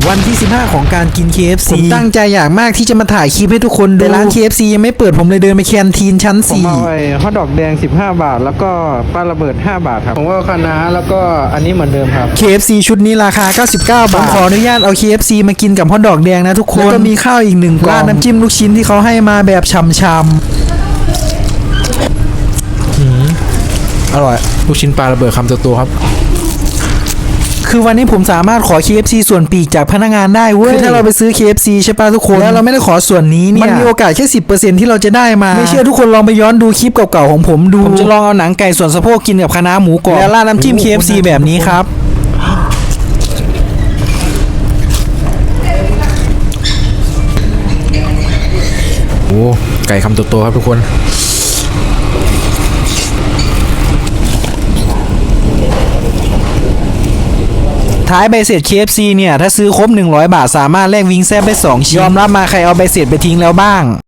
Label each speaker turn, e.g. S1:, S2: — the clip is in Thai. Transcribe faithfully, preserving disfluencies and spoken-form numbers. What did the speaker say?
S1: วันที่สิบห้าของการกิน เค เอฟ ซี ผมตั้งใจอยากมากที่จะมาถ่ายคลิปให้ทุกคนดูแต่ร้าน เค เอฟ ซี ยังไม่เปิดผมเลยเดินไปแคนทีนชั้นสี่ผมเอาไอ้ฮอทดอกแดงสิบห้าบาทแล้วก็ปลาระเบิดห้าบาทครับผมก็คะน้าแล้วก็อันนี้เหมือนเดิมครับ เค เอฟ ซี ชุดนี้ราคาเก้าสิบเก้าบาทผมขออนุญาตเอา เค เอฟ ซี มากินกับฮอทดอกแดงนะทุกคนแล้วก็มีข้าวอีกหนึ่งกล่องราดน้ำจิ้มลูกชิ้นที่เขาให้มาแบบฉ่ำๆอร่อยลูกชิ้นปลาระเบิดคำโตๆครับคือวันนี้ผมสามารถขอ เค เอฟ ซี ส่วนปีกจากพนักงานได้เว้ยคือถ้าเราไปซื้อ เค เอฟ ซี ใช่ป่ะทุกคนแล้วเราไม่ได้ขอส่วนนี้เนี่ยมันมีโอกาสแค่ สิบเปอร์เซ็นต์ ที่เราจะได้มาไม่เชื่อทุกคนลองไปย้อนดูคลิปเก่าๆของผมดูผมจะลองเอาหนังไก่ส่วนสะโพกกินกับคะน้าหมูกรอบแล้วราดน้ำจิ้ม เค เอฟ ซี แบบนี้ครับโอ้ไก่คำโตๆครับทุกคนท้ายใบเสร็จ เค เอฟ ซี เนี่ยถ้าซื้อครบหนึ่งร้อยบาทสามารถแลกวิงแซ่บได้สองชิ้นยอมรับมาใครเอาใบเสร็จไปทิ้งแล้วบ้าง